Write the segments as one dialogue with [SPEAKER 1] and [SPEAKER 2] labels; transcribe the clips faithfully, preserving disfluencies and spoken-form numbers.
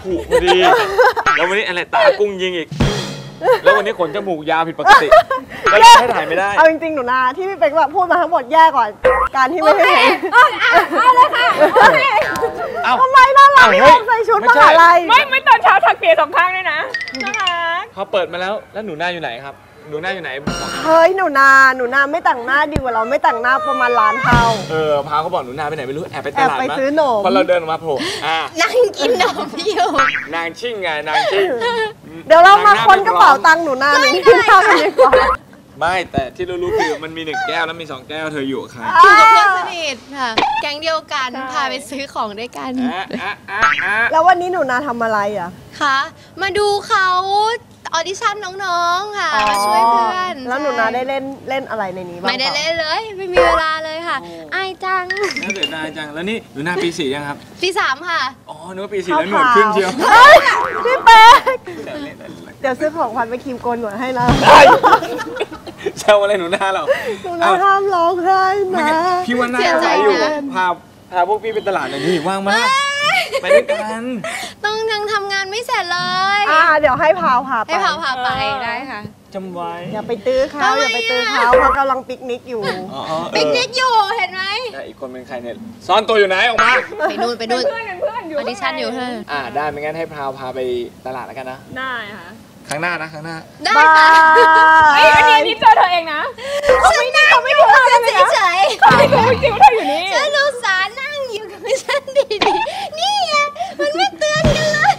[SPEAKER 1] ผุพอดีแล้ววันนี้อะไรตากุ้งยิงอีกแล้ววันนี้ขนจมูกยาวผิดปกติก็เลยให้ถ่ายไม่ได้
[SPEAKER 2] เอาจริงๆหนูนาที่พี่เป๊กแบบพูดมาทั้งหมดแย่ก่อนการที่ไม่ให้เห็นเอาเลยค่ะทำไมน่ารักพี่ใส่ชุดมหาลัย
[SPEAKER 3] ไม่ไม่ตอนเช้าถักเปียสองข้างด้วยนะน่ารัก
[SPEAKER 1] พอเปิดมาแล้วแล้วหนูหน้าอยู่ไหนครับหนูหน้าอยู่ไหน
[SPEAKER 2] เฮ้ยหนูนาหนูนาไม่แต่งหน้าดีกว่าเราไม่แต่งหน้าประมาณล้านเท่า
[SPEAKER 1] เออพาเขาบอกหนูนาไปไหนไม่รู้แอบไปตลาด
[SPEAKER 2] แอบไปซื้อหนม
[SPEAKER 1] พอเราเดินออกมาโผล่อ่ะ
[SPEAKER 4] นั่งกินหนมอยู่
[SPEAKER 1] นางชิ่งไงนางชิ่ง
[SPEAKER 2] เดี๋ยวเรามาค้นกระเป๋าตังค์หนูนาหนึ่งที่ข้าวกันดีกว่า
[SPEAKER 1] ไม่แต่ที่รู้ๆคือมันมีหนึ่งแก้วแล้วมีสองแก้วเธออยู่ใคร
[SPEAKER 4] อยู่กับเพื่อนสนิทค่ะแก๊งเดียวกันพาไปซื้อของด้วยกัน
[SPEAKER 2] แล้ววันนี้หนูนาทำอะไรอ่ะ
[SPEAKER 4] คะมาดูเขาออดิชั่นน้องๆค่ะมาช่วยเพื่อน
[SPEAKER 2] แล้วหนูนาได้เล่นเล่นอะไรในนี้บ้าง
[SPEAKER 4] ไม่ได้เล่นเลยไม่มีเวลาเลยค่ะอายจัง
[SPEAKER 1] น่าเสียดายจังแล้วนี่หนูนาปีสี่ยังครับ
[SPEAKER 4] ปีสามค่ะ
[SPEAKER 1] อ๋อนึกว่าปีสี่แล้วหนวดขึ้นเชียว
[SPEAKER 2] พี่เป๊กเดี๋ยวซื้อของขวัญไปครีมโกนหนวดให้นะ
[SPEAKER 1] เช่าอะไรหนูนาเรา
[SPEAKER 2] หนูนาห้ามร้องไห้นะ
[SPEAKER 1] พี่ว่าน่าใจอยู่พาพาพวกพี่ไปตลาดหน่อยนี่ว่างมากไปด้วยกัน
[SPEAKER 4] ต้องยังทำงานไม่เสร็จเลย
[SPEAKER 2] อ่าเดี๋ยวให้พาวพาไป
[SPEAKER 4] ให้พาวพาไปได้ค่ะ
[SPEAKER 1] จำไว้
[SPEAKER 2] อย่าไปตื้อเขาอย่าไปตื้อเขาเพราะกำลังปิกนิกอยู่
[SPEAKER 4] ปิกนิกอยู่เห็นไหม
[SPEAKER 1] อีกคนเป็นใครเนี่ยซ่อนตัวอยู่ไหนออกมา
[SPEAKER 4] ไปนู่นไปนู่น
[SPEAKER 3] เพื่อนเพื่อนอยู่
[SPEAKER 4] ออดิชั่นอยู่เฮ้
[SPEAKER 1] อ่าได้ไม่งั้นให้พาวพาไปตลาดแล้วกันนะ
[SPEAKER 3] ได้ค่ะ
[SPEAKER 1] ครั้งหน้านะครั้งหน้า
[SPEAKER 4] ได้ค่ะ
[SPEAKER 3] ไอ้อันนี้นี่เจอเธอเองนะ
[SPEAKER 4] เขาไม่ได้เขาไม่พูดฉันเฉยๆ
[SPEAKER 3] เขาไม่รู้จริงว่าเธออยู่นี่
[SPEAKER 4] ฉันรู้สานั่งอยู่กับฉันดีๆนี่ไงมันไม่เตือนกันเลย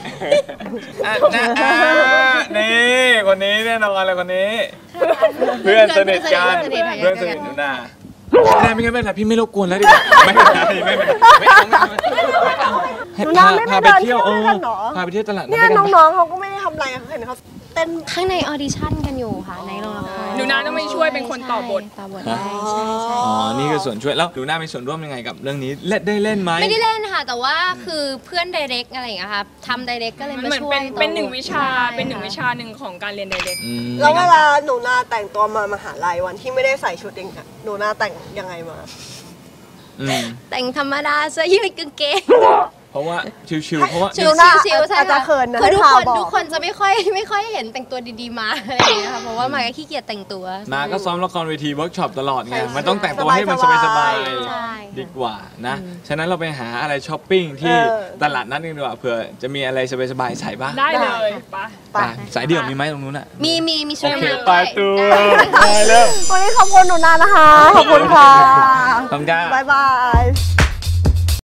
[SPEAKER 1] นี่คนนี้แน่นอนเลยคนนี้เพื่อนสนิทกันเพื่อนสนิทหนูนาไม่ไม่ไม่พี่ไม่รบกวนแล้วดิไม่ไม่ไม่ไม่ไม่เอา
[SPEAKER 2] หนูนาไม่ไปเที่ยวเออ
[SPEAKER 1] พาไปเที่ยวตลาด
[SPEAKER 2] เนี่ยน้องๆเขาก็ไม่ได้ทำอะไรเห็นเขาเต้น
[SPEAKER 4] ข้างในออดิชั่นกันอยู่ค่ะในโรงละคร
[SPEAKER 3] หนูนาต้องไม่ช่วยเป็นคนต่อบท
[SPEAKER 4] ต่อบทได้ใช่ใช่
[SPEAKER 1] อ๋อนี่คือส่วนช่วยแล้วหนูนามีส่วนร่วมยังไงกับเรื่องนี้เล่นได้เล่นไหม
[SPEAKER 4] ไม่ได้เล่นค่ะแต่ว่าคือเพื่อนไดเรกอะไรอย่างเงี้ยค่ะทำไดเรกก็เลยมาช่วย
[SPEAKER 3] เป็นหนึ่งวิชาเป็นหนึ่งวิชาหนึ่งของการเรียนไดเรก
[SPEAKER 2] แล้วเวลาหนูนาแต่งตัวมามหาลัยวันที่ไม่ได้ใส่ชุดเองหนูนาแต่งยังไงมา
[SPEAKER 4] แต่งธรรมดาเสื้อยืดกางเกง
[SPEAKER 1] เพราะว่าชิวๆเพราะว่า
[SPEAKER 4] ชิวๆชิวๆใช่ค่ะคือทุกคนทุกคนจะไม่ค่อยไม่ค่อยเห็นแต่งตัวดีๆมาอะไรอย่างเงี้ยค่ะเพราะว่ามาก็ขี้เกียจแต่งตัว
[SPEAKER 1] มาก็ซ้อมละครเวทีเวิร์กช็อปตลอดไงมันต้องแต่งตัวให้มันสบายๆดีกว่านะฉะนั้นเราไปหาอะไรช้อปปิ้งที่ตลาดนัดกันดีกว่าเผื่อจะมีอะไรสบายๆใส่บ้าง
[SPEAKER 3] ได้เลย
[SPEAKER 1] ไปสายเดี่ยวมีไหมตรงนู้นอ่ะ
[SPEAKER 4] มีมีมีชุด
[SPEAKER 1] ด้วยไปตัวไปเร็ว
[SPEAKER 2] วันนี้ขอบคุณหนูนานะคะขอบคุณค่ะ
[SPEAKER 1] ขอบคุณค่ะ
[SPEAKER 2] บ๊ายบาย